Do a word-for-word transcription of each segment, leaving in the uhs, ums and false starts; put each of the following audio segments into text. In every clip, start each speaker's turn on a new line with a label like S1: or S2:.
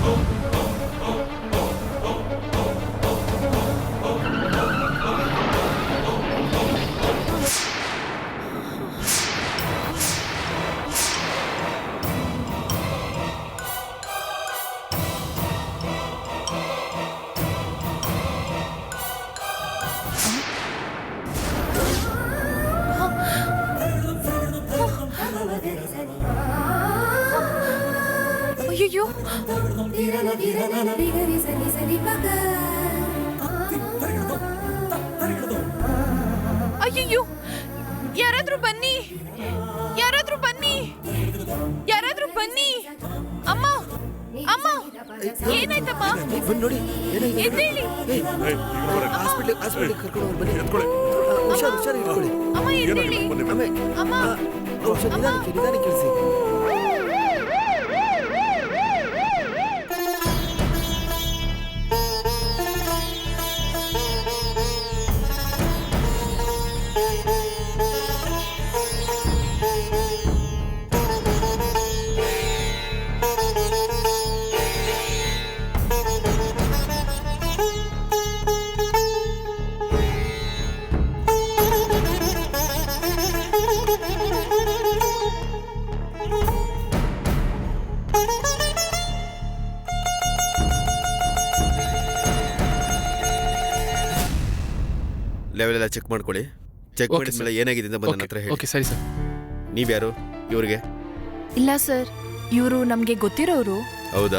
S1: ಅಯ್ಯೋ ಅಯ್ಯೋ ಯಾರಾದ್ರೂ ಬನ್ನಿ ಯಾರಾದ್ರೂ ಬನ್ನಿ ಯಾರಾದ್ರೂ ಬನ್ನಿ ಅಮ್ಮ ಅಮ್ಮ ಏನಾಯ್ತಮ್ಮ
S2: ನೋಡಿ
S1: ಎದ್ದೇಳಿ
S2: ಹಾಸ್ಪಿಟಲ್ ಹಾಸ್ಪಿಟಲ್ ಕರ್ಕೊಂಡು ಬನ್ನಿ ಹುಷಾರು ಹುಷಾರು ಇಟ್ಕೊಳ್ಳಿ
S1: ಅಮ್ಮ ಎದ್ದೇಳಿ ಅಮ್ಮ
S2: ಔಷಧ ನಿಧಾನಕ್ಕೆ ನಿಧಾನಕ್ಕೆ ಇಳಿಸಿ ಲೆವೆಲ್ ಎಲ್ಲ ಚೆಕ್ ಮಾಡ್ಕೊಳ್ಳಿ ಚೆಕ್ ಮಾಡಿದ್ಮೇಲೆ ಏನಾಗಿದೆ ಅಂತ ಬಂದ ಹತ್ರ ಹೇಳಿ.
S3: ಓಕೆ ಸರಿ ಸರ್.
S2: ನೀವ್ಯಾರು ಇವ್ರಿಗೆ?
S1: ಇಲ್ಲ ಸರ್, ಇವರು ನಮಗೆ ಗೊತ್ತಿರೋರು.
S2: ಹೌದಾ?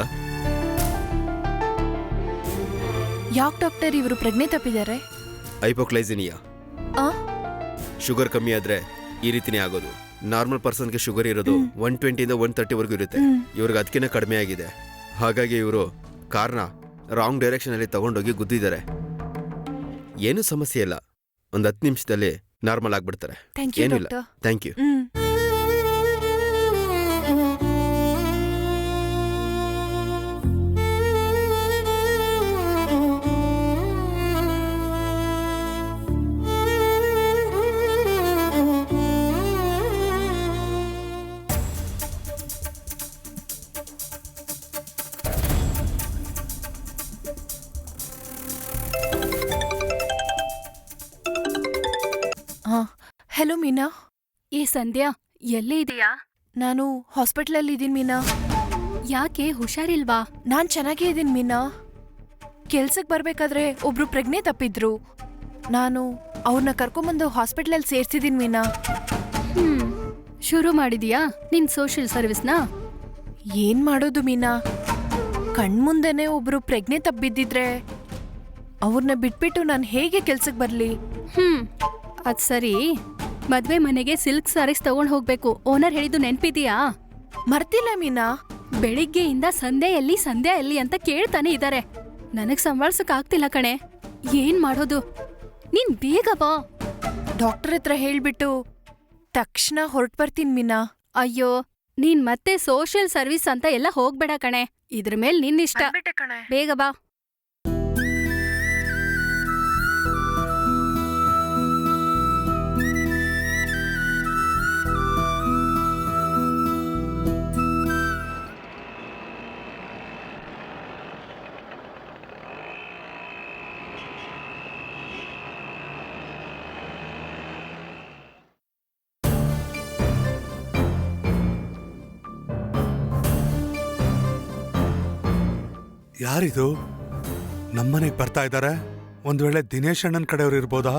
S1: ಯಾಕೆ ಡಾಕ್ಟರ್ ಇವರು ಪ್ರಜ್ಞೆ ತಪ್ಪಿದ್ದಾರೆ?
S2: ಹೈಪೋಕ್ಲೈಸಿನಿಯಾ, ಶುಗರ್ ಕಮ್ಮಿ ಆದ್ರೆ ಈ ರೀತಿನೇ ಆಗೋದು. ನಾರ್ಮಲ್ ಪರ್ಸನ್ಗೆ ಶುಗರ್ ಇರೋದು ಒನ್ ಟ್ವೆಂಟಿಯಿಂದ ಒನ್ ತರ್ಟಿ ವರೆಗೂ ಇರುತ್ತೆ. ಇವ್ರಿಗೆ ಅದಕ್ಕಿಂತ ಕಡಿಮೆ ಆಗಿದೆ. ಹಾಗಾಗಿ ಇವರು ಕಾರ್ನ ರಾಂಗ್ ಡೈರೆಕ್ಷನ್ ಅಲ್ಲಿ ತಗೊಂಡೋಗಿ ಗುದ್ದಿದ್ದಾರೆ. ಏನು ಸಮಸ್ಯೆ ಇಲ್ಲ, ಒಂದು ಹತ್ತು ನಿಮಿಷದಲ್ಲಿ ನಾರ್ಮಲ್ ಆಗ್ಬಿಡ್ತಾರೆ. ಏನೂ ಇಲ್ಲ. Thank you.
S1: ಹಲೋ ಮೀನಾ.
S4: ಏ ಸಂಧ್ಯಾ, ಎಲ್ಲೇ ಇದೆಯಾ?
S1: ನಾನು ಹಾಸ್ಪಿಟಲಲ್ಲಿ ಇದ್ದೀನಿ ಮೀನಾ.
S4: ಯಾಕೆ, ಹುಷಾರಿಲ್ವಾ?
S1: ನಾನ್ ಚೆನ್ನಾಗೇ ಇದ್ದೀನಿ ಮೀನಾ. ಕೆಲ್ಸಕ್ಕೆ ಬರ್ಬೇಕಾದ್ರೆ ಒಬ್ರು ಪ್ರಜ್ಞೆ ತಪ್ಪಿದ್ರು. ನಾನು ಅವ್ರನ್ನ ಕರ್ಕೊಂಬಂದು ಹಾಸ್ಪಿಟಲಲ್ಲಿ ಸೇರ್ಸಿದ್ದೀನಿ ಮೀನಾ.
S4: ಹ್ಮ್, ಶುರು ಮಾಡಿದೀಯಾ ನಿನ್ ಸೋಷಿಯಲ್ ಸರ್ವಿಸ್ನ?
S1: ಏನ್ ಮಾಡೋದು ಮೀನಾ, ಕಣ್ಮುಂದೆನೆ ಒಬ್ರು ಪ್ರಜ್ಞೆ ತಪ್ಪಿದ್ದಿದ್ರೆ ಅವ್ರನ್ನ ಬಿಟ್ಬಿಟ್ಟು ನಾನು ಹೇಗೆ ಕೆಲ್ಸಕ್ಕೆ ಬರ್ಲಿ?
S4: ಹ್ಮ್, ಅದ್ ಸರಿ. ಮದ್ವೆ ಮನೆಗೆ ಸಿಲ್ಕ್ ಸಾರೀಸ್ ತಗೊಂಡ್ ಹೋಗ್ಬೇಕು. ಓನರ್ ಹೇಳಿದ್ದು ನೆನ್ಪಿದೀಯಾ?
S1: ಮರ್ತಿಲ್ಲ ಮೀನಾ.
S4: ಬೆಳಿಗ್ಗೆಯಿಂದ ಸಂಧ್ಯಾ ಎಲ್ಲಿ ಸಂಧ್ಯಾ ಎಲ್ಲಿ ಅಂತ ಕೇಳ್ತಾನೆ ಇದ್ದಾರೆ. ನನಗ್ ಸಂಭಾಳ್ಸಕ್ ಆಗ್ತಿಲ್ಲ ಕಣೆ. ಏನ್ ಮಾಡೋದು? ನೀನ್ ಬೇಗ ಬಾ.
S1: ಡಾಕ್ಟರ್ ಹತ್ರ ಹೇಳ್ಬಿಟ್ಟು ತಕ್ಷಣ ಹೊರಟ್ ಬರ್ತೀನಿ ಮೀನಾ.
S4: ಅಯ್ಯೋ, ನೀನ್ ಮತ್ತೆ ಸೋಷಿಯಲ್ ಸರ್ವಿಸ್ ಅಂತ ಎಲ್ಲ ಹೋಗ್ಬೇಡ ಕಣೆ. ಇದ್ರ ಮೇಲ್ ನಿನ್ನಿಷ್ಟ. ಬೇಗ ಬಾ.
S5: ಯಾರಿದು ನಮ್ಮನೆಗೆ ಬರ್ತಾ ಇದ್ದಾರೆ? ಒಂದ್ ವೇಳೆ ದಿನೇಶ್ ಅಣ್ಣನ ಕಡೆಯವ್ರು ಇರ್ಬೋದಾ?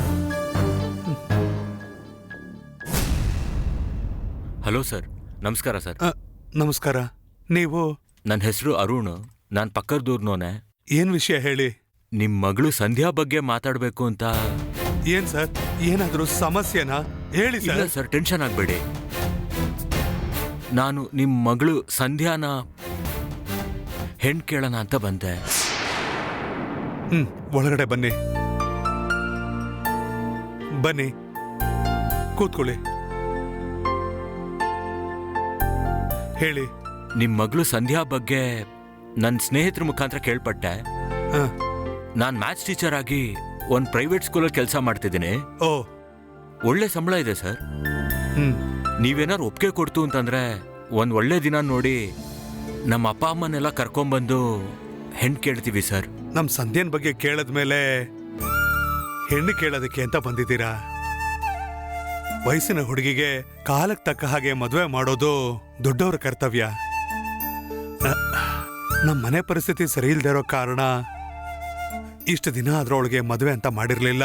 S6: ಹಲೋ ಸರ್, ನಮಸ್ಕಾರ ಸರ್.
S5: ನಮಸ್ಕಾರ. ನೀವು?
S6: ನನ್ನ ಹೆಸರು ಅರುಣ್, ನಾನ್ ಪಕ್ಕದೂರ್ನೋನೆ.
S5: ಏನ್ ವಿಷಯ ಹೇಳಿ.
S6: ನಿಮ್ ಮಗಳು ಸಂಧ್ಯಾ ಬಗ್ಗೆ ಮಾತಾಡ್ಬೇಕು ಅಂತ.
S5: ಏನ್ ಸರ್, ಏನಾದ್ರೂ ಸಮಸ್ಯೆನಾ? ಹೇಳಿ ಸರ್.
S6: ಇಲ್ಲ ಸರ್, ಟೆನ್ಷನ್ ಆಗ್ಬೇಡಿ. ನಾನು ನಿಮ್ ಮಗಳು ಸಂಧ್ಯಾನ ಹೆಣ್ ಕೇಳೋಣ ಅಂತ ಬಂದೆ.
S5: ಹ್ಮ್, ಒಳಗಡೆ ಬನ್ನಿ ಬನ್ನಿ, ಕೂತ್ಕೊಳ್ಳಿ. ಹೇಳಿ.
S6: ನಿಮ್ ಮಗಳು ಸಂಧ್ಯಾ ಬಗ್ಗೆ ನನ್ನ ಸ್ನೇಹಿತರ ಮುಖಾಂತರ ಕೇಳ್ಪಟ್ಟೆ. ನಾನ್ ಮ್ಯಾಥ್ಸ್ ಟೀಚರ್ ಆಗಿ ಒಂದ್ ಪ್ರೈವೇಟ್ ಸ್ಕೂಲಲ್ಲಿ ಕೆಲಸ ಮಾಡ್ತಿದ್ದೀನಿ.
S5: ಓ,
S6: ಒಳ್ಳೆ ಸಂಬಳ ಇದೆ ಸರ್.
S5: ಹ್ಮ್,
S6: ನೀವೇನಾರು ಒಪ್ಪಿಗೆ ಕೊಡ್ತು ಅಂತಂದ್ರೆ ಒಂದ್ ಒಳ್ಳೆ ದಿನ ನೋಡಿ ನಮ್ಮ ಅಪ್ಪ ಅಮ್ಮನೆಲ್ಲ ಕರ್ಕೊಂಡ್ಬಂದು ಹೆಣ್ಣು ಕೇಳ್ತೀವಿ ಸರ್.
S5: ನಮ್ ಸಂಧ್ಯನ್ ಬಗ್ಗೆ ಕೇಳದ್ಮೇಲೆ ಹೆಣ್ಣು ಕೇಳೋದಕ್ಕೆ ಅಂತ ಬಂದಿದ್ದೀರಾ? ವಯಸ್ಸಿನ ಹುಡುಗಿಗೆ ಕಾಲಕ್ಕೆ ತಕ್ಕ ಹಾಗೆ ಮದುವೆ ಮಾಡೋದು ದೊಡ್ಡವರ ಕರ್ತವ್ಯ. ನ- ನಮ್ ಮನೆ ಪರಿಸ್ಥಿತಿ ಸರಿ ಇಲ್ದೇ ಇರೋ ಕಾರಣ ಇಷ್ಟು ದಿನ ಅದ್ರೊಳಗೆ ಮದುವೆ ಅಂತ ಮಾಡಿರ್ಲಿಲ್ಲ.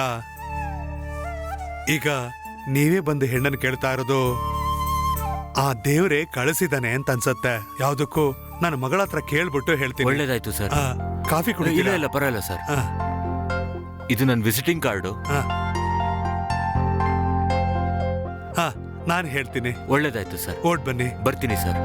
S5: ಈಗ ನೀವೇ ಬಂದು ಹೆಣ್ಣನ್ನು ಕೇಳ್ತಾ ಇರೋದು ಆ ದೇವ್ರೇ ಕಳಿಸಿದಾನೆ ಅಂತ ಅನ್ಸತ್ತೆ. ಯಾವ್ದಕ್ಕೂ ನನ್ನ ಮಗಳ ಹತ್ರ ಕೇಳ್ಬಿಟ್ಟು ಹೇಳ್ತೀನಿ.
S6: ಒಳ್ಳೇದಾಯ್ತು ಸರ್.
S5: ಆ, ಕಾಫಿ
S6: ಇಲ್ಲ
S5: ಕುಡಿತೀರಾ?
S6: ಇಲ್ಲ ಪರವಾಗಿಲ್ಲ ಸರ್.
S5: ಆ,
S6: ಇದು ನನ್ನ ವಿಸಿಟಿಂಗ್ ಕಾರ್ಡು.
S5: ಆ. ಹಾ ನಾನು ಹೇಳ್ತೀನಿ.
S6: ಒಳ್ಳೇದಾಯ್ತು ಸರ್.
S5: ಓಡ್ ಬನ್ನಿ.
S6: ಬರ್ತೀನಿ ಸರ್.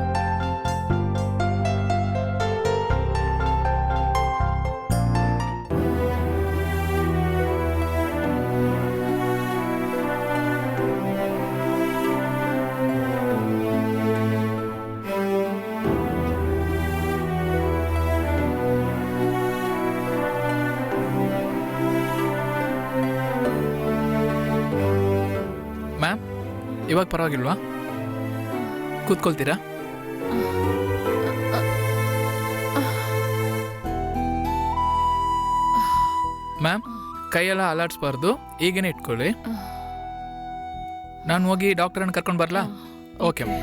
S3: ಮ್ಯಾಮ್, ಇವಾಗ ಪರವಾಗಿಲ್ವಾ? ಕೂತ್ಕೊಳ್ತೀರಾ? ಮ್ಯಾಮ್, ಕೈಯೆಲ್ಲ ಅಲಾಡ್ಸ್ಬಾರ್ದು, ಈಗೇನೆ ಇಟ್ಕೊಳ್ಳಿ. ನಾನು ಹೋಗಿ ಡಾಕ್ಟರನ್ನು ಕರ್ಕೊಂಡು ಬರಲಾ? Okay ma'am.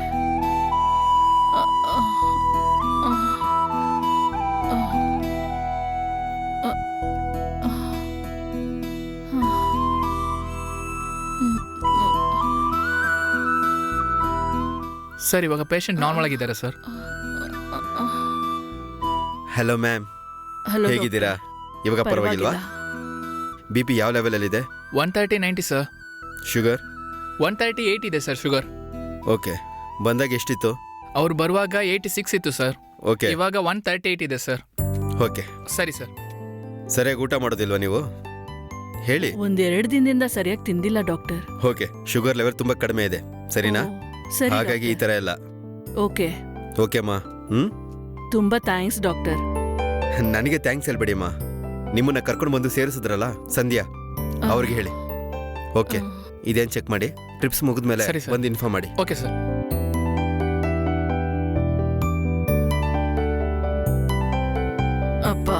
S3: ಸರ್, ಇವಾಗ ಪೇಷಂಟ್ ನಾರ್ಮಲ್ ಆಗಿದ್ದಾರೆ ಸರ್.
S2: ಹಲೋ ಮ್ಯಾಮ್,
S7: ಹಲೋ
S2: ಹೇಗಿದ್ದೀರಾ? ಇವಾಗ ಪರವಾಗಿಲ್ವಾ? ಬಿ ಪಿ ಯಾವ ಲೆವೆಲಲ್ಲಿದೆ?
S3: One thirty ninety sir.
S2: Sugar?
S3: One thirty eight ಇದೆ ಸರ್ ಶುಗರ್.
S2: ಓಕೆ. ಬಂದಾಗ ಎಷ್ಟಿತ್ತು?
S3: ಅವ್ರು ಬರುವಾಗ ಏಯ್ಟಿ ಸಿಕ್ಸ್ ಇತ್ತು ಸರ್.
S2: ಓಕೆ
S3: ಇವಾಗ ಒನ್ ತರ್ಟಿ ಏಯ್ಟ್ ಇದೆ ಸರ್.
S2: ಓಕೆ.
S3: ಸರಿ ಸರ್.
S2: ಸರಿಯಾಗಿ ಊಟ ಮಾಡೋದಿಲ್ವಾ ನೀವು? ಹೇಳಿ.
S7: ಒಂದೆರಡು ದಿನದಿಂದ ಸರಿಯಾಗಿ ತಿಂದಿಲ್ಲ ಡಾಕ್ಟರ್.
S2: ಓಕೆ, ಶುಗರ್ ಲೆವೆಲ್ ತುಂಬಾ ಕಡಿಮೆ ಇದೆ, ಸರಿನಾ?
S7: ಓ, ಸರಿ
S2: ಹಾಗಾಗಿ ಈ
S7: ಡಾಕ್ಟರ್.
S2: ತರ ಎಲ್ಲ.
S7: ಓಕೆ,
S2: ಓಕೆ ಅಮ್ಮ. ಹ್ಮ್
S7: ತುಂಬಾ ಥ್ಯಾಂಕ್ಸ್ ಡಾಕ್ಟರ್.
S2: ನನಗೆ ಥ್ಯಾಂಕ್ಸ್ ಹೇಳ್ಬೇಡಿ ಅಮ್ಮ. ನಿಮ್ಮನ್ನ ಕರ್ಕೊಂಡು ಬಂದು ಸೇರಿಸಿದ್ರಲ್ಲ ಸಂಧ್ಯಾ, ಅವ್ರಿಗೆ ಹೇಳಿ. ಓಕೆ, ಇದೇನ್ ಚೆಕ್ ಮಾಡಿ, ಟ್ರಿಪ್ಸ್ ಮುಗಿದ್ಮೇಲೆ
S3: ಸರಿ ಸರ್.
S2: ಬಂದು ಇನ್ಫಾರ್ಮ್ ಮಾಡಿ.
S3: Okay sir.
S7: ಅಪ್ಪ,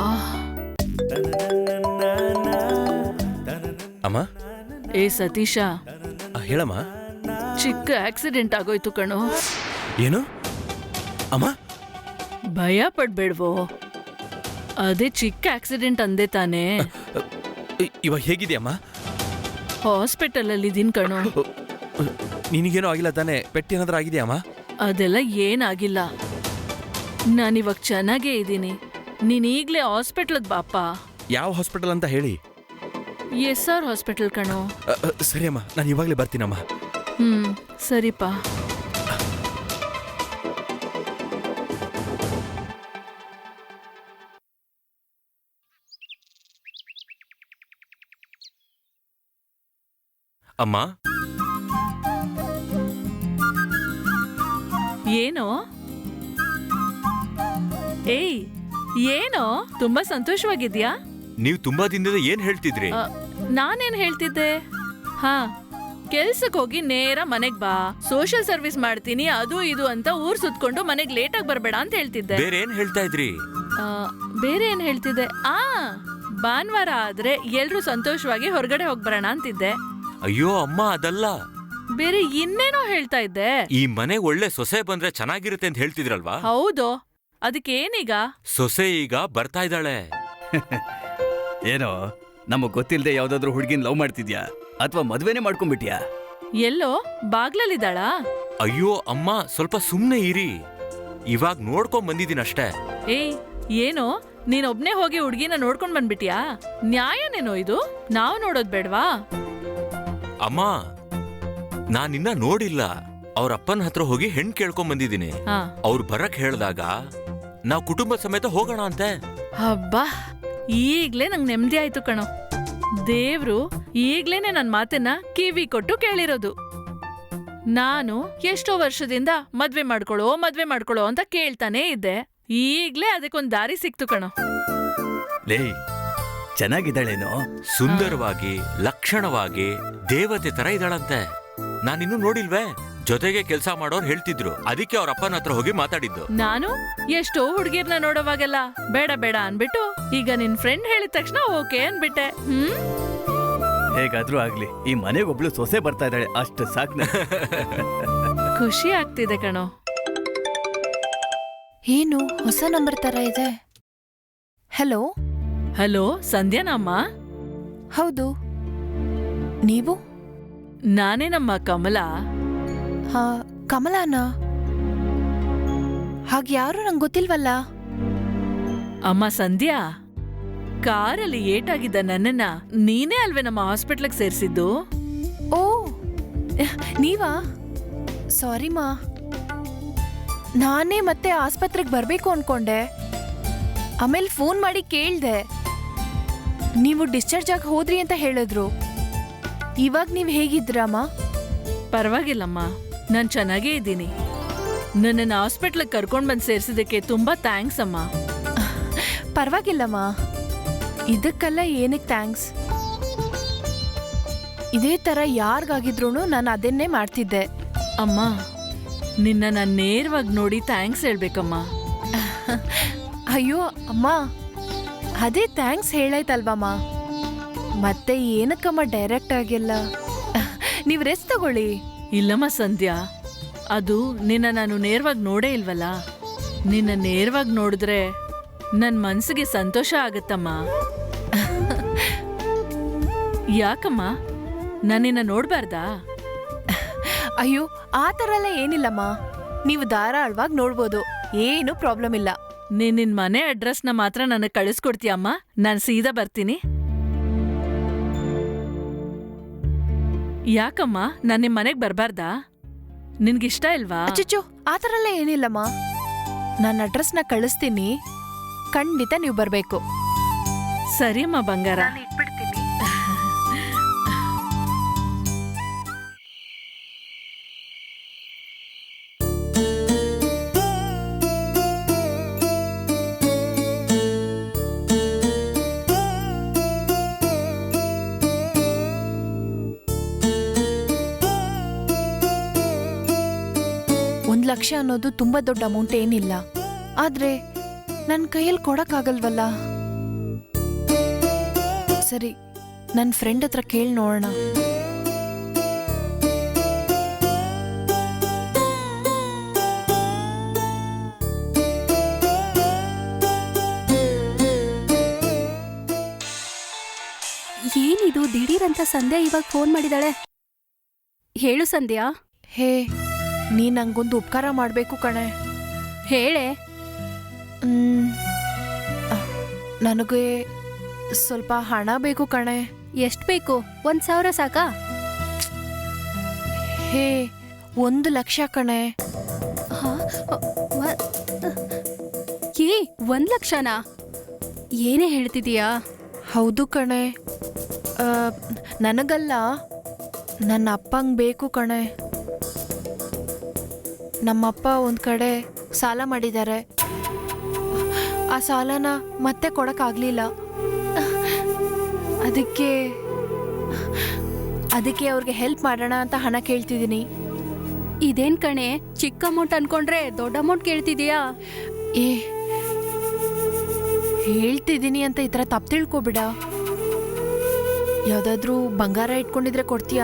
S8: ಅಮ್ಮ.
S7: ಏ ಸತೀಶ,
S8: ಆ, ಹೇಳಮ್ಮ.
S7: ಚಿಕ್ಕ ಆಕ್ಸಿಡೆಂಟ್ ಆಗೋಯ್ತು ಕಣೋ.
S8: ಏನು ಅಮ್ಮ?
S7: ಭಯ ಪಡ್ಬೇಡ್ವೋ, ಅದೇ ಚಿಕ್ಕ ಆಕ್ಸಿಡೆಂಟ್ ಅಂದೆ ತಾನೇ.
S8: ಇ- ಇವಾಗ ಹೇಗಿದೆಯಮ್ಮ?
S7: ಹಾಸ್ಪಿಟಲ್ ಅಲ್ಲಿ ಇದೀನ್ ಕಣೋ.
S8: ನಿನಗೇನೋ ಆಗಿಲ್ಲ ತಾನೆ? ಪೆಟ್ಟೇನಾದ್ರೂ ಆಗಿದೆಯಮ್ಮ?
S7: ಅದೆಲ್ಲ ಏನಾಗಿಲ್ಲ, ನಾನಿವಾಗ ಚೆನ್ನಾಗೇ ಇದ್ದೀನಿ. ನೀನ್ ಈಗ್ಲೇ ಹಾಸ್ಪಿಟ್ಲದ್ ಬಾಪ.
S8: ಯಾವ ಹಾಸ್ಪಿಟಲ್ ಅಂತ ಹೇಳಿ.
S7: ಎಸ್ ಆರ್ ಹಾಸ್ಪಿಟಲ್ ಕಣೋ.
S8: ಅ, ಅ, ಸರಿ ಅಮ್ಮ, ನಾನು ಇವಾಗಲೇ ಬರ್ತೀನಮ್ಮ.
S7: ಹ್ಮ್ ಸರಿಪಾ.
S6: ಅಮ್ಮ,
S7: ಏನೋ? ಏಯ್, ಏನೋ ತುಂಬಾ ಸಂತೋಷವಾಗಿದ್ಯಾ?
S6: ನೀವು ತುಂಬಾ ದಿನದಿಂದ ಏನ್ ಹೇಳ್ತಿದ್ರಿ?
S7: ಅ, ನಾನೇನ್ ಹೇಳ್ತಿದ್ದೆ? ಹಾ, ಕೆಲ್ಸಕ್ ಹೋಗಿ ನೇರ ಮನೆಗ್ ಬಾ, ಸೋಷಿಯಲ್ ಸರ್ವಿಸ್ ಮಾಡ್ತೀನಿ ಅದು ಇದು ಅಂತ ಊರ್ ಸುತ್ಕೊಂಡು ಮನೆಗ್ ಲೇಟಾಗಿ ಬರ್ಬೇಡ ಅಂತ ಹೇಳ್ತಿದ್ದೆ.
S6: ಬೇರೆ ಏನ್ ಹೇಳ್ತಾ ಇದ್ರಿ?
S7: ಆ, ಬೇರೆ ಏನ್ ಹೇಳ್ತಿದ್ದೆ? ಆ ಭಾನುವಾರ ಆದ್ರೆ ಎಲ್ರೂ ಸಂತೋಷವಾಗಿ ಹೊರಗಡೆ ಹೋಗ್ಬರೋಣ ಅಂತಿದ್ದೆ.
S6: ಅಯ್ಯೋ ಅಮ್ಮ, ಅದಲ್ಲ.
S7: ಬೇರೆ ಇನ್ನೇನೋ ಹೇಳ್ತಾ ಇದ್ದೆ.
S6: ಈ ಮನೆಗ್ ಒಳ್ಳೆ ಸೊಸೆ ಬಂದ್ರೆ ಚೆನ್ನಾಗಿರುತ್ತೆ ಅಂತ ಹೇಳ್ತಿದ್ರಲ್ವಾ?
S7: ಹೌದು, ಅದಕ್ಕೇನೀಗ?
S6: ಸೊಸೆ ಈಗ ಬರ್ತಾ ಇದ್ದಾಳೆ.
S9: ಏನೋ ನಮಗ್ ಗೊತ್ತಿಲ್ಲದೆ ಯಾವ್ದಾದ್ರು ಹುಡುಗಿನ ಲವ್ ಮಾಡ್ತಿದ್ಯಾ ಅಥವಾ ಮದ್ವೆನೇ ಮಾಡ್ಕೊಂಡ್ಬಿಟ್ಯಾ?
S7: ಎಲ್ಲೋ ಬಾಗ್ಲಲ್ಲಿದ್ದಾಳಾ?
S6: ಅಯ್ಯೋ ಅಮ್ಮ, ಸ್ವಲ್ಪ ಸುಮ್ನೆ ಇರಿ. ಇವಾಗ ನೋಡ್ಕೊಂಡ್ ಬಂದಿದ್ದೀನಷ್ಟೇ.
S7: ಏಯ್, ಏನೋ ನೀನ್ ಒಬ್ನೇ ಹೋಗಿ ಹುಡ್ಗಿನ ನೋಡ್ಕೊಂಡ್ ಬಂದ್ಬಿಟ್ಯಾ? ನ್ಯಾಯನೇನೋ ಇದು? ನಾವ್ ನೋಡೋದ್ ಬೇಡ್ವಾ?
S6: ಅಮ್ಮ, ನಾನಿನ್ನ ನೋಡಿಲ್ಲ. ಅವ್ರ ಅಪ್ಪನ ಹತ್ರ ಹೋಗಿ ಹೆಣ್ ಕೇಳ್ಕೊಂಡ್ ಬಂದಿದ್ದೀನಿ.
S7: ಹಾ.
S6: ಅವ್ರು ಬರಕ್ ಹೇಳ್ದಾಗ ನಾವ್ ಕುಟುಂಬ ಸಮೇತ ಹೋಗೋಣ ಅಂತೆ.
S7: ಹಬ್ಬಾ, ಈಗ್ಲೇ ನಂಗ್ ನೆಮ್ಮದಿ ಆಯ್ತು ಕಣೋ. ದೇವ್ರು ಈಗ್ಲೇನೆ ನನ್ ಮಾತನ್ನ ಕಿವಿ ಕೊಟ್ಟು ಕೇಳಿರೋದು. ನಾನು ಎಷ್ಟೋ ವರ್ಷದಿಂದ ಮದ್ವೆ ಮಾಡ್ಕೊಳ್ಳೋ ಮದ್ವೆ ಮಾಡ್ಕೊಳ್ಳೋ ಅಂತ ಕೇಳ್ತಾನೆ ಇದ್ದೆ. ಈಗ್ಲೇ ಅದಕ್ಕೊಂದ್ ದಾರಿ ಸಿಕ್ತು ಕಣೋ.
S9: ಲೇ, ಚೆನ್ನಾಗಿದ್ದಾಳೇನೋ?
S6: ಸುಂದರವಾಗಿ ಲಕ್ಷಣವಾಗಿ ದೇವತೆ ತರ ಇದ್ದಾಳಂತೆ. ನಾನಿನ್ನೂ ನೋಡಿಲ್ವೇ. ಜೊತೆಗೆ ಕೆಲಸ ಮಾಡೋರು ಹೇಳ್ತಿದ್ರು, ಅದಕ್ಕೆ ಅವ್ರ ಅಪ್ಪನ ಹತ್ರ ಹೋಗಿ ಮಾತಾಡಿದ್ದು.
S7: ನಾನು ಎಷ್ಟೋ ಹುಡ್ಗಿರ್ನ ನೋಡೋವಾಗೆಲ್ಲ ಬೇಡ ಬೇಡ ಅನ್ಬಿಟ್ಟು ಈಗ ನಿನ್ ಫ್ರೆಂಡ್ ಹೇಳಿದ ತಕ್ಷಣ ಓಕೆ ಅನ್ಬಿಟ್ಟೆ. ಹ್ಮ್
S9: ಹೇಗಾದ್ರೂ ಆಗ್ಲಿ, ಈ ಮನೆಗೊಬ್ಳು ಸೊಸೆ ಬರ್ತಾ ಇದ್ದಾಳೆ, ಅಷ್ಟು ಸಾಕ್.
S7: ಖುಷಿ ಆಗ್ತಿದೆ ಕಣೋ.
S1: ಏನು ಹೊಸ ನಂಬರ್ ತರ ಇದೆ? ಹಲೋ.
S7: ಹಲೋ, ಸಂಧ್ಯಾನಮ್ಮ?
S1: ಹೌದು, ನೀವು?
S7: ನಾನೇ ನಮ್ಮ ಕಮಲಾ.
S1: ಹಾ, ಕಮಲಾನಾ? ಹಾಗೆ ಯಾರು ನಂಗೆ ಗೊತ್ತಿಲ್ವಲ್ಲ.
S7: ಅಮ್ಮ ಸಂಧ್ಯಾ, ಕಾರಲ್ಲಿ ಏಟಾಗಿದ್ದ ನನ್ನನ್ನ ನೀನೇ ಅಲ್ವೇ ನಮ್ಮ ಹಾಸ್ಪಿಟ್ಲಿಗೆ ಸೇರಿಸಿದ್ದು?
S1: ಓ, ನೀವಾ? ಸಾರಿ ಮಾ, ನಾನೇ ಮತ್ತೆ ಆಸ್ಪತ್ರೆಗೆ ಬರ್ಬೇಕು ಅನ್ಕೊಂಡೆ. ಆಮೇಲೆ ಫೋನ್ ಮಾಡಿ ಕೇಳ್ದೆ, ನೀವು ಡಿಸ್ಚಾರ್ಜ್ ಆಗಿ ಹೋದ್ರಿ ಅಂತ ಹೇಳಿದ್ರು. ಇವಾಗ ನೀವು ಹೇಗಿದ್ರಮ್ಮ?
S7: ಪರವಾಗಿಲ್ಲಮ್ಮ, ನಾನ್ ಚೆನ್ನಾಗೇ ಇದ್ದೀನಿ. ನನ್ನನ್ನು ಹಾಸ್ಪಿಟ್ಲಿಗೆ ಕರ್ಕೊಂಡ್ ಬಂದು ಸೇರಿಸಿದಕ್ಕೆ ತುಂಬಾ ಥ್ಯಾಂಕ್ಸ್ ಅಮ್ಮ.
S1: ಪರವಾಗಿಲ್ಲಮ್ಮ, ಇದಕ್ಕೆಲ್ಲ ಏನಕ್ಕೆ ಥ್ಯಾಂಕ್ಸ್? ಇದೇ ಥರ ಯಾರಿಗಾಗಿದ್ರೂ ನಾನು ಅದನ್ನೇ ಮಾಡ್ತಿದ್ದೆ.
S7: ಅಮ್ಮ, ನಿನ್ನ ನಾನು ನೇರವಾಗಿ ನೋಡಿ ಥ್ಯಾಂಕ್ಸ್ ಹೇಳ್ಬೇಕಮ್ಮ.
S1: ಅಯ್ಯೋ ಅಮ್ಮ, ಅದೇ ಥ್ಯಾಂಕ್ಸ್ ಹೇಳಾಯ್ತಲ್ವಮ್ಮ, ಮತ್ತೆ ಏನಕ್ಕಮ್ಮ ಡೈರೆಕ್ಟ್ ಆಗಿಲ್ಲ? ನೀವು ರೆಸ್ಟ್ ತಗೊಳ್ಳಿ.
S7: ಇಲ್ಲಮ್ಮ ಸಂಧ್ಯಾ, ಅದು ನಿನ್ನ ನಾನು ನೇರವಾಗಿ ನೋಡೇ ಇಲ್ವಲ್ಲ. ನಿನ್ನ ನೇರವಾಗಿ ನೋಡಿದ್ರೆ ನನ್ನ ಮನ್ಸಿಗೆ ಸಂತೋಷ ಆಗತ್ತಮ್ಮ. ಯಾಕಮ್ಮ, ನಾನು ನಿನ್ನ ನೋಡ್ಬಾರ್ದಾ?
S1: ಅಯ್ಯೋ, ಆ ಥರ ಎಲ್ಲ ಏನಿಲ್ಲಮ್ಮ, ನೀವು ಧಾರಾಳವಾಗಿ ನೋಡ್ಬೋದು, ಏನು ಪ್ರಾಬ್ಲಮ್ ಇಲ್ಲ.
S7: ನೀನ್ ನಿನ್ ಮನೆ ಅಡ್ರೆಸ್ನ ಮಾತ್ರ ನನಗೆ ಕಳಿಸ್ಕೊಡ್ತೀಯಮ್ಮ, ನಾನು ಸೀದಾ ಬರ್ತೀನಿ. ಯಾಕಮ್ಮ, ನಾನು ನಿಮ್ಮ ಮನೆಗೆ ಬರಬಾರ್ದಾ? ನಿನ್ಗಿಷ್ಟ ಇಲ್ವಾ?
S1: ಅಚ್ಚಚ್ಚೋ, ಆ ಥರ ಎಲ್ಲ ಏನಿಲ್ಲಮ್ಮ. ನನ್ನ ಅಡ್ರೆಸ್ನ ಕಳಿಸ್ತೀನಿ, ಖಂಡಿತ ನೀವು ಬರಬೇಕು.
S7: ಸರಿಯಮ್ಮ ಬಂಗಾರ.
S1: ಒಂದ್ ಲಕ್ಷ ಅನ್ನೋದು ತುಂಬಾ ದೊಡ್ಡ ಅಮೌಂಟ್ ಏನಿಲ್ಲ, ಆದ್ರೆ ನನ್ನ ಕೈಯಲ್ಲಿ ಕೊಡಕ್ಕಾಗಲ್ವಲ್ಲ. ಸರಿ, ನನ್ನ ಫ್ರೆಂಡ್ ಹತ್ರ ಕೇಳಿ ನೋಡೋಣ.
S4: ಏನಿದು ದಿಢೀರಂತ ಸಂಧ್ಯಾ ಇವಾಗ ಫೋನ್ ಮಾಡಿದಾಳೆ? ಹೇಳು ಸಂಧ್ಯಾ.
S1: ಹೇ, ನೀ ನಂಗೊಂದು ಉಪಕಾರ ಮಾಡ್ಬೇಕು ಕಣೆ.
S4: ಹೇಳೆ.
S1: ಹ್ಮ್, ನನಗೆ ಸ್ವಲ್ಪ ಹಣ ಬೇಕು ಕಣೆ.
S4: ಎಷ್ಟ್ ಬೇಕು? ಒಂದ್ ಸಾವಿರ ಸಾಕಾ?
S1: ಹೇ, ಒಂದು ಲಕ್ಷ ಕಣೆ.
S4: ಹಾ, ವ- ಏ ಒಂದ್ ಲಕ್ಷನಾ? ಏನೇ ಹೇಳ್ತಿದೀಯಾ?
S1: ಹೌದು ಕಣೆ. ಆ, ನನಗಲ್ಲ, ನನ್ನ ಅಪ್ಪಂಗೆ ಬೇಕು ಕಣೆ. ನಮ್ಮಪ್ಪ ಒಂದು ಕಡೆ ಸಾಲ ಮಾಡಿದ್ದಾರೆ. ಆ ಸಾಲನ ಮತ್ತೆ ಕೊಡಕ್ಕಾಗ್ಲಿಲ್ಲ. ಅದಕ್ಕೆ ಅದಕ್ಕೆ ಅವ್ರಿಗೆ ಹೆಲ್ಪ್ ಮಾಡೋಣ ಅಂತ ಹಣ ಕೇಳ್ತಿದ್ದೀನಿ.
S4: ಇದೇನ್ ಕಣೆ, ಚಿಕ್ಕ ಅಮೌಂಟ್ ಅನ್ಕೊಂಡ್ರೆ ದೊಡ್ಡ ಅಮೌಂಟ್ ಕೇಳ್ತಿದೀಯಾ?
S1: ಏ, ಹೇಳ್ತಿದ್ದೀನಿ ಅಂತ ಈ ಥರ ತಪ್ಪು ತಿಳ್ಕೊಬಿಡ. ಯಾವುದಾದ್ರೂ ಬಂಗಾರ ಇಟ್ಕೊಂಡಿದ್ರೆ ಕೊಡ್ತೀಯಾ?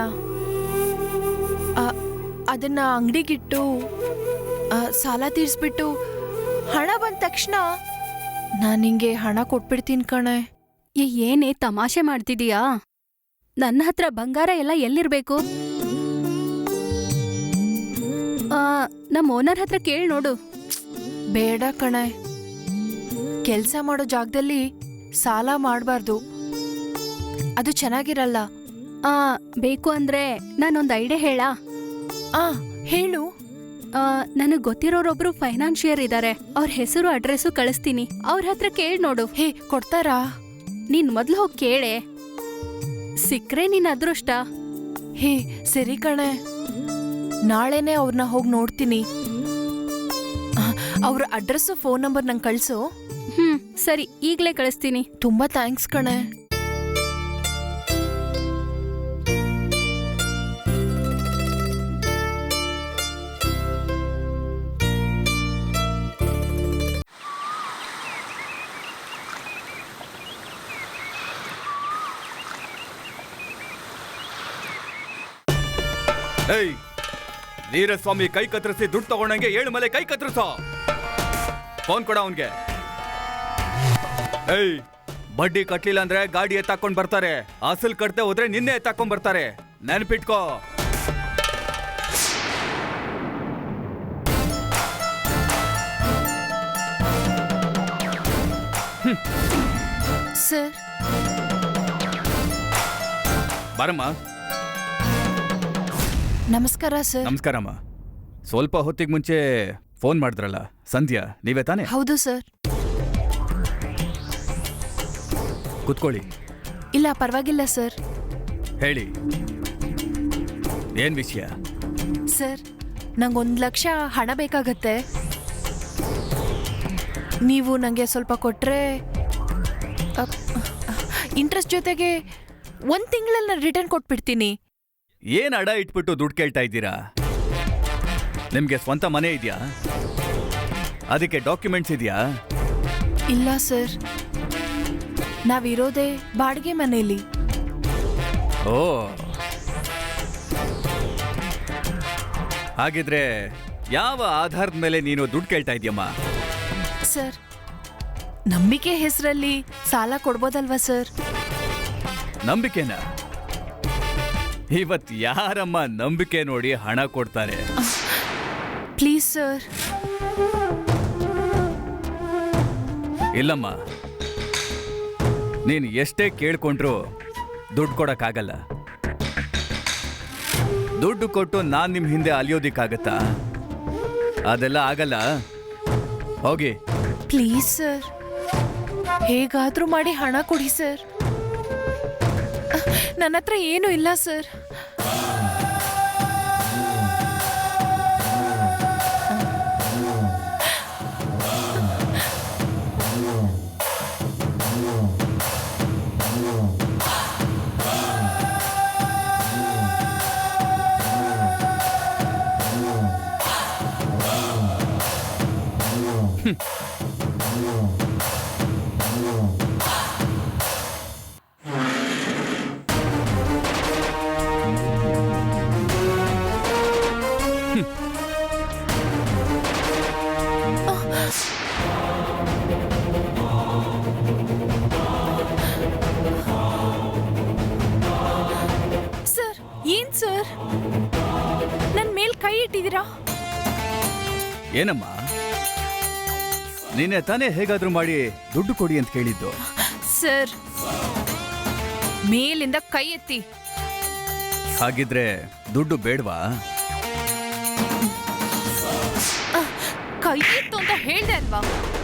S1: ಅದನ್ನ ಅಂಗಡಿಗಿಟ್ಟು ಸಾಲ ತೀರಿಸ್ಬಿಟ್ಟು ಹಣ ಬಂದ ತಕ್ಷಣ ನಾನು ನಿಂಗೆ ಹಣ ಕೊಟ್ಬಿಡ್ತೀನಿ ಕಣೆ.
S4: ಏ, ಏನೇ ತಮಾಷೆ ಮಾಡ್ತಿದೀಯಾ? ನನ್ನ ಹತ್ರ ಬಂಗಾರ ಎಲ್ಲ ಎಲ್ಲಿರ್ಬೇಕು? ಆ, ನಮ್ಮ ಓನರ್ ಹತ್ರ ಕೇಳಿ ನೋಡು.
S1: ಬೇಡ ಕಣೆ, ಕೆಲಸ ಮಾಡೋ ಜಾಗದಲ್ಲಿ ಸಾಲ ಮಾಡಬಾರ್ದು, ಅದು ಚೆನ್ನಾಗಿರಲ್ಲ.
S4: ಆ, ಬೇಕು ಅಂದ್ರೆ ನಾನೊಂದು ಐಡಿಯಾ ಹೇಳಾ?
S1: ಆ, ಹೇಳು.
S4: ನನಗ್ ಗೊತ್ತಿರೋರೊಬ್ರು ಫೈನಾನ್ಷಿಯರ್ ಇದ್ದಾರೆ, ಅವ್ರ ಹೆಸರು ಅಡ್ರೆಸ್ಸು ಕಳಿಸ್ತೀನಿ, ಅವ್ರ ಹತ್ರ ಕೇಳಿ ನೋಡು.
S1: ಹೇ, ಕೊಡ್ತಾರಾ?
S4: ನೀನ್ ಮೊದ್ಲು ಹೋಗಿ ಕೇಳೆ, ಸಿಕ್ಕ್ರೆ ನಿನ್ ಅದೃಷ್ಟ.
S1: ಹೇ, ಸರಿ ಕಣೆ, ನಾಳೆನೆ ಅವ್ರನ್ನ ಹೋಗಿ ನೋಡ್ತೀನಿ. ಅವ್ರ ಅಡ್ರೆಸ್ಸು ಫೋನ್ ನಂಬರ್ ನಂಗೆ ಕಳ್ಸು.
S4: ಹ್ಮ್, ಸರಿ, ಈಗ್ಲೇ ಕಳಿಸ್ತೀನಿ.
S1: ತುಂಬಾ ಥ್ಯಾಂಕ್ಸ್ ಕಣೆ.
S9: ಏಯ್ ವೀರಸ್ವಾಮಿ ಕೈ ಕತ್ತರಿಸಿ ದುಡ್ಡು ತಗೊಂಡಂಗೆ ಏಳು ಮಲೆ ಕೈ ಕತ್ತರಿಸೋ. ಫೋನ್ ಕೊಡ ಅವನ್ಗೆ. ಏಯ್ ಬಡ್ಡಿ ಕಟ್ಲಿಲ್ಲ ಅಂದ್ರೆ ಗಾಡಿ ಎತ್ತಾಕೊಂಡ್ ಬರ್ತಾರೆ, ಅಸಲ್ ಕಟ್ತೆ ಹೋದ್ರೆ ನಿನ್ನೆ ಎತ್ತಾಕೊಂಡ್ ಬರ್ತಾರೆ, ನೆನ್ಪಿಟ್ಕೋ.
S1: ಸರ್
S9: ಬಾರಮ್ಮ.
S1: ನಮಸ್ಕಾರ ಸರ್.
S9: ನಮಸ್ಕಾರಮ್ಮ. ಸ್ವಲ್ಪ ಹೊತ್ತಿಗೆ ಮುಂಚೆ ಫೋನ್ ಮಾಡಿದ್ರಲ್ಲ, ಸಂಧ್ಯಾ ನೀವೇ ತಾನೇ?
S1: ಹೌದು ಸರ್.
S9: ಕುತ್ಕೊಳ್ಳಿ.
S1: ಇಲ್ಲ ಪರವಾಗಿಲ್ಲ ಸರ್.
S9: ಹೇಳಿ, ಏನ್ ವಿಷಯ?
S1: ಸರ್ ನಂಗೊಂದು ಲಕ್ಷ ಹಣ ಬೇಕಾಗತ್ತೆ. ನೀವು ನನಗೆ ಸ್ವಲ್ಪ ಕೊಟ್ರೆ ಇಂಟ್ರೆಸ್ಟ್ ಜೊತೆಗೆ ಒಂದು ತಿಂಗಳಲ್ಲಿ ನಾನು ರಿಟರ್ನ್ ಕೊಟ್ಬಿಡ್ತೀನಿ.
S9: ಏನ್ ಅಡ ಇಟ್ಬಿಟ್ಟು ದುಡ್ಡು ಕೇಳ್ತಾ ಇದ್ದೀರಾ? ನಿಮ್ಗೆ ಸ್ವಂತ ಮನೆ ಇದೆಯಾ? ಅದಕ್ಕೆ ಡಾಕ್ಯುಮೆಂಟ್ಸ್ ಇದೆಯಾ?
S1: ಇಲ್ಲ ಸರ್, ನಾವಿರೋದೇ ಬಾಡಿಗೆ ಮನೆಯಲ್ಲಿ.
S9: ಓ, ಹಾಗಿದ್ರೆ ಯಾವ ಆಧಾರದ ಮೇಲೆ ನೀನು ದುಡ್ಡು ಕೇಳ್ತಾ ಇದೀಯಮ್ಮ?
S1: ಸರ್ ನಂಬಿಕೆ ಹೆಸರಲ್ಲಿ ಸಾಲ ಕೊಡ್ಬೋದಲ್ವಾ ಸರ್?
S9: ನಂಬಿಕೆನಾ? ಇವತ್ ಯಾರಮ್ಮ ನಂಬಿಕೆ ನೋಡಿ ಹಣ ಕೊಡ್ತಾರೆ?
S1: Please sir.
S9: ಇಲ್ಲಮ್ಮ, ನೀನು ಎಷ್ಟೇ ಕೇಳ್ಕೊಂಡ್ರು ದುಡ್ಡು ಕೊಡಕ್ಕಾಗಲ್ಲ. ದುಡ್ಡು ಕೊಟ್ಟು ನಾನ್ ನಿಮ್ ಹಿಂದೆ ಅಲಿಯೋದಿಕ್ಕಾಗತ್ತಾ? ಅದೆಲ್ಲ ಆಗಲ್ಲ. ಹೋಗಿ.
S1: ಪ್ಲೀಸ್ ಸರ್, ಹೇಗಾದ್ರೂ ಮಾಡಿ ಹಣ ಕೊಡಿ ಸರ್. ನನ್ನ ಹತ್ರ ಏನೂ ಇಲ್ಲ ಸರ್. ಸರ್ ಏನ್ ಸರ್ ನನ್ನ ಮೇಲ್ ಕೈ ಇಟ್ಟಿದ್ದೀರಾ?
S9: ಏನಮ್ಮ, ನೀನೆ ತಾನೇ ಹೇಗಾದ್ರೂ ಮಾಡಿ ದುಡ್ಡು ಕೊಡಿ ಅಂತ ಕೇಳಿದ್ದು?
S1: ಸರ್ ಮೇಲಿಂದ ಕೈ ಎತ್ತಿ.
S9: ಹಾಗಿದ್ರೆ ದುಡ್ಡು ಬೇಡವಾ?
S1: ಕೈ ಎತ್ತು ಅಂತ ಹೇಳ್ದೆ ಅಲ್ವಾ?